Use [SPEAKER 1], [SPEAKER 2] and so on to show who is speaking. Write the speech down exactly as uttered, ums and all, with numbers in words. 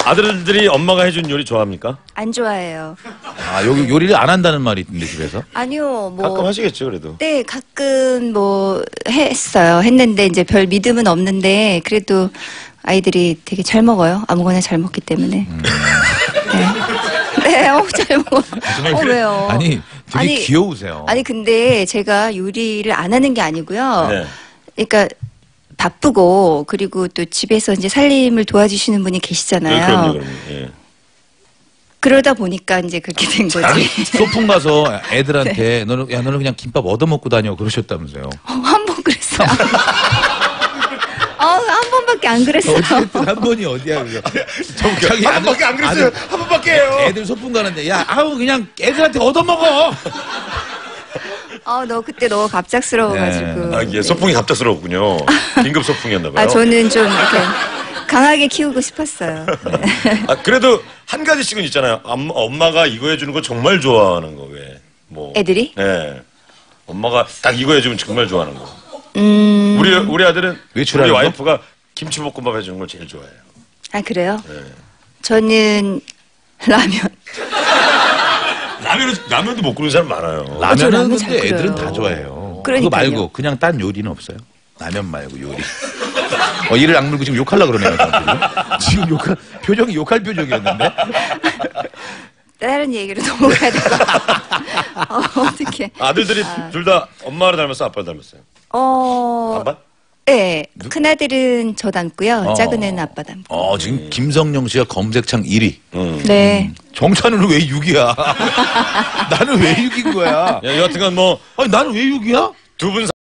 [SPEAKER 1] 아들들이 엄마가 해준 요리 좋아합니까?
[SPEAKER 2] 안 좋아해요.
[SPEAKER 3] 아, 여기 요리를 안 한다는 말이 있던데, 집에서?
[SPEAKER 2] 아니요, 뭐.
[SPEAKER 1] 가끔 하시겠죠, 그래도.
[SPEAKER 2] 네, 가끔 뭐 했어요. 했는데 이제 별 믿음은 없는데 그래도 아이들이 되게 잘 먹어요. 아무거나 잘 먹기 때문에. 음. 네. 네, 어, 잘 먹어. 어, 왜요?
[SPEAKER 3] 아니, 되게
[SPEAKER 2] 아니,
[SPEAKER 3] 귀여우세요.
[SPEAKER 2] 아니, 근데 제가 요리를 안 하는 게 아니고요.
[SPEAKER 1] 네.
[SPEAKER 2] 그러니까 바쁘고 그리고 또 집에서 이제 살림을 도와주시는 분이 계시잖아요.
[SPEAKER 1] 네, 그럼요, 그럼요. 예.
[SPEAKER 2] 그러다 보니까 이제 그렇게 된 거지.
[SPEAKER 3] 아니, 소풍 가서 애들한테 네. 너는, 야, 너는 그냥 김밥 얻어먹고 다녀. 그러셨다면서요.
[SPEAKER 2] 어, 한 번 그랬어요. 어, 한 번밖에 안 그랬어요.
[SPEAKER 3] 어쨌든 한 번이 어디야, 그거.
[SPEAKER 1] 자기 한 번밖에 안 그랬어요.
[SPEAKER 3] 아들,
[SPEAKER 1] 한 번밖에 해요.
[SPEAKER 3] 애들 소풍 가는데, 야, 아우, 그냥 애들한테 얻어먹어!
[SPEAKER 2] 어, 너 그때 너무 갑작스러워가지고.
[SPEAKER 1] 네. 아, 예, 소풍이 갑작스러웠군요. 긴급 소풍이었나봐요.
[SPEAKER 2] 아, 저는 좀 이렇게 강하게 키우고 싶었어요. 네.
[SPEAKER 1] 아, 그래도 한 가지씩은 있잖아요. 엄, 엄마가 이거 해주는 거 정말 좋아하는 거, 왜? 뭐.
[SPEAKER 2] 애들이?
[SPEAKER 1] 네. 엄마가 딱 이거 해주면 정말 좋아하는 거.
[SPEAKER 2] 음.
[SPEAKER 1] 우리, 우리 아들은
[SPEAKER 3] 외출하는
[SPEAKER 1] 우리
[SPEAKER 3] 거?
[SPEAKER 1] 와이프가 김치볶음밥 해주는 걸 제일 좋아해요.
[SPEAKER 2] 아, 그래요?
[SPEAKER 1] 네.
[SPEAKER 2] 저는 라면.
[SPEAKER 1] 라면은, 라면도 못 끓는 사람 많아요.
[SPEAKER 3] 라면은
[SPEAKER 2] 라면 잘
[SPEAKER 3] 근데 애들은
[SPEAKER 2] 끓여요.
[SPEAKER 3] 다 좋아해요.
[SPEAKER 2] 그러니까요.
[SPEAKER 3] 그거 말고 그냥 딴 요리는 없어요? 라면 말고 요리. 어, 이를 악물고 지금 욕하려고 그러네요. 지금 욕할, 표정이 욕할 표정이었는데.
[SPEAKER 2] 다른 얘기로 넘어가야 될 것 같아요. 어, 어떡해.
[SPEAKER 1] 아들들이
[SPEAKER 2] 아.
[SPEAKER 1] 둘 다 엄마를 닮았어, 아빠를 닮았어요?
[SPEAKER 2] 어.
[SPEAKER 1] 반반?
[SPEAKER 2] 네. 큰아들은 저 닮고요.
[SPEAKER 3] 어.
[SPEAKER 2] 작은 애는 아빠 닮고.
[SPEAKER 3] 어, 지금 김성령 씨가 검색창 일 위.
[SPEAKER 1] 음.
[SPEAKER 2] 네.
[SPEAKER 3] 정찬우는 왜 육 위야? 나는 왜 육 위인 거야?
[SPEAKER 1] 야, 여하튼간 뭐,
[SPEAKER 3] 아니, 나는 왜 육 위야?
[SPEAKER 1] 두 분